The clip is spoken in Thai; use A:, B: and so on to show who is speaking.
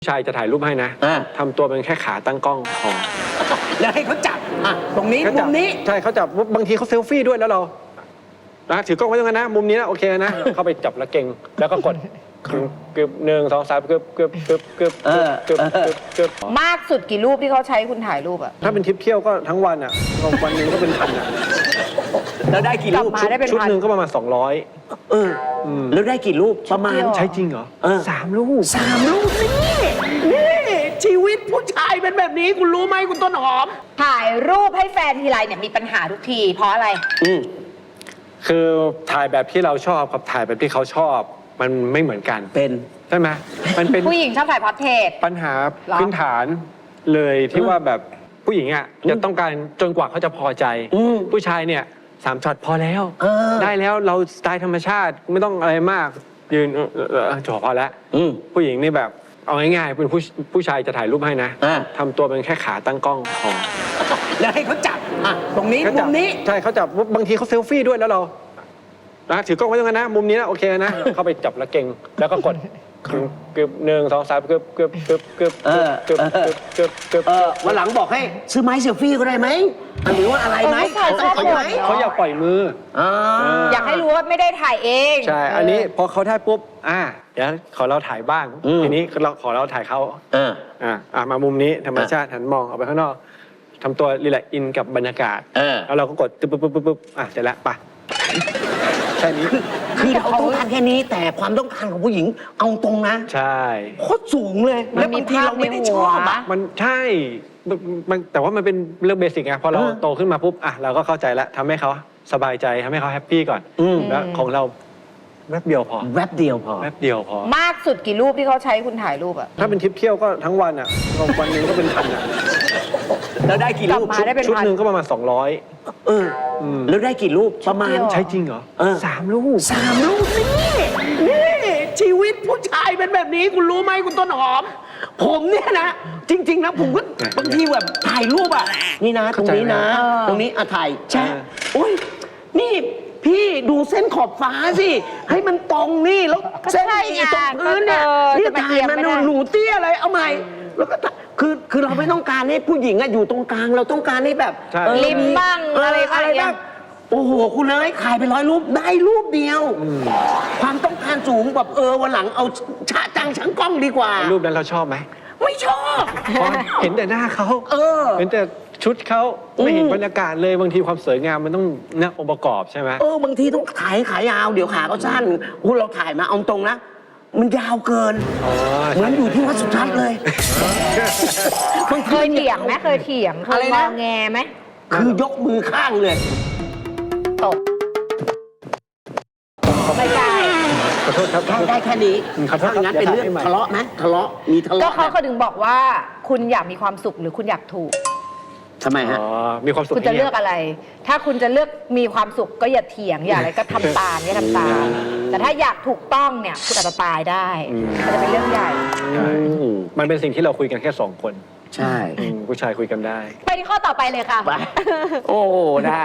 A: ผู้ชายจะถ่ายรูปให้นะทำตัวเป็นแค่ขาตั้งกล้องพอ
B: แล้วให้เขาจับตรงนี้มุมนี้
A: ใช่เขาจับบางทีเขาเซลฟี่ด้วยแล้วเราถือกล้องไว้ตรงนั้นนะมุมนี้นะโอเคนะเข้าไปจับแล้วเก่งแล้วก็กดเกือบ1 2 3เกือบ
C: มากสุดกี่รูปที่เขาใช้คุณถ่ายรูปอะ
A: ถ้าเป็นทริปเที่ยวก็ทั้งวันอ่ะวันหนึงก็เป็นพันอ่ะ
B: แล้วได้กี่รูป
A: ชุดหนึ่งก็ประมาณ200
B: แล้วได้กี่รูปประมาณ
A: ใช่จริงเหรอ3 รูป
B: นี่ชีวิตผู้ชายเป็นแบบนี้คุณรู้ไหมคุณต้นหอม
C: ถ่ายรูปให้แฟนทีไรเนี่ยมีปัญหาทุกทีเพราะอะไร
A: คือถ่ายแบบที่เราชอบกับถ่ายแบบที่เขาชอบมันไม่เหมือนกัน
B: เป็น
A: ใช่ไหมมันเป็น
C: ผู้หญิงชอบถ่ายพอร์เทรต
A: ปัญหาพื้นฐานเลยที่ว่าแบบผู้หญิงอ่ะจะต้องการจนกว่าเขาจะพอใจผู้ชายเนี่ย3 ช็อตพอแล้วได้แล้วเราสไตล์ธรรมชาติไม่ต้องอะไรมากยืนจบพอแล้วผู้หญิงนี่แบบเอาง่ายๆเป็นผู้ชายจะถ่ายรูปให้นะทำตัวเป็นแค่ขาตั้งกล้องพอ
B: แล้วให้เขาจับตรงนี้มุมนี้
A: ใช่เขาจับบางทีเขาเซลฟี่ด้วยแล้วเราถือกล้องไว้ตรงนั้นนะมุมนี้นะโอเคนะเข้าไปจับแล้วเก่งแล้วก็กดเกือบ1 2 3เกือบ
B: วันหลังบอกให้ซื้อไม้เซลฟี่ก็ได้ไหมหรือว่าอะไรไหม
A: เขาอยากปล่อยมือ
C: อยากให้รู้ว่าไม่ได้ถ่ายเอง
A: ใช่อันนี้พอเขาได้ปุ๊บเดี๋ยวขอเราถ่ายบ้างทีนี้เราขอเราถ่ายเขามามุมนี้ธรรมชาติหันมองออกไปข้างนอกทำตัวรีแลกซ์อินกับบรรยากาศแล้วเราก็กดปุ๊บเสร็จแล้วไปแค่นี้
B: คือเราต้องการแค่นี้แต่ความต้องการของผู้หญิงเอาตรงนะ
A: ใช่
B: โคตรสูงเลยแล้วบางทีเราไม่ได้ชอบ
A: มันใช่แต่ว่ามันเป็นเรื่องเบสิกไงพอเราโตขึ้นมาปุ๊บเราก็เข้าใจแล้วทำให้เขาสบายใจทำให้เขาแฮปปี้ก่อนแล้วของเราแวบเดียวพอ
B: แวบเดียวพอ
C: มากสุดกี่รูปที่เขาใช้คุณถ่ายรูปอะ
A: ถ้าเป็นทริปเที่ยวก็ทั้งวันอ่ะวันหนึงก็เป็นพันอ่ะ
B: แล้วได้กี่รูป
A: ชุดหนึ่งก็ประมาณ200
B: แล้วได้กี่รูปประมาณ
A: ใช่จริงเหรอ3 รูป
B: นี่ชีวิตผู้ชายเป็นแบบนี้คุณรู้ไหมคุณต้นหอมผมเนี่ยนะจริงๆนะผมก็บางทีแบบถ่ายรูปนี่นะตรงนี้นะตรงนี้ถ่ายแช่โอ้ยนี่พี่ดูเส้นขอบฟ้าสิให้มันตรงนี่แล้วเส้นอีตรงพื้นเนี่ยนี่ถ่ายมันหนูเตี้ยอะไรเอาใหม่แล้วก็คือเราไม่ต้องการให้ผู้หญิงอยู่ตรงกลางเราต้องการให้แบบ
C: ริมบ้างอะไรบ้าง
B: โอ้โหคุณเลยขายไป100 รูปได้รูปเดียวความต้องการสูงแบบวันหลังเอาฉะจังชังกล้องดีกว่า
A: รูปนั้นเราชอบไหม
B: ไม่ชอบ
A: เห็นแต่หน้าเขาเห็นแต่ชุดเขาไม่เห็นบรรยากาศเลยบางทีความสวยงามมันต้ององค์ประกอบใช่ไหม
B: บางทีต้องขายาวเดี๋ยวขาเขาสั้นคุณเราถ่ายมาเอาตรงนะมันยาวเกินเหมือนอยู่ที่วัดสุทัศน์เลย
C: เคยเถียงไหมเคยมองแงไหม
B: คือยกมือข้างเลย
C: ตกไม่ได้
A: ขอโทษครับ
B: ได้แค่นี้ถ้างั้นเป็นเรื่องทะเลาะไหมมีทะเลาะ
C: ก็เขาถึงบอกว่าคุณอยากมีความสุขหรือคุณอยากถูก
B: ทำไมฮะ
A: มีความสุข
C: คุณจะเลือกอะไรถ้าคุณจะเลือกมีความสุขก็อย่าเถียงอย่าอะไรก็ทำตามอย่าทำตามแต่ถ้าอยากถูกต้องเนี่ยคุณอาจจะตายได้มันจะเป็นเรื่องใหญ่
A: มันเป็นสิ่งที่เราคุยกันแค่2 คน
B: ใช่
A: ผู้ชายคุยกันได้
C: ไปที่ข้อต่อไปเลยค่ะ
B: โอ้ได้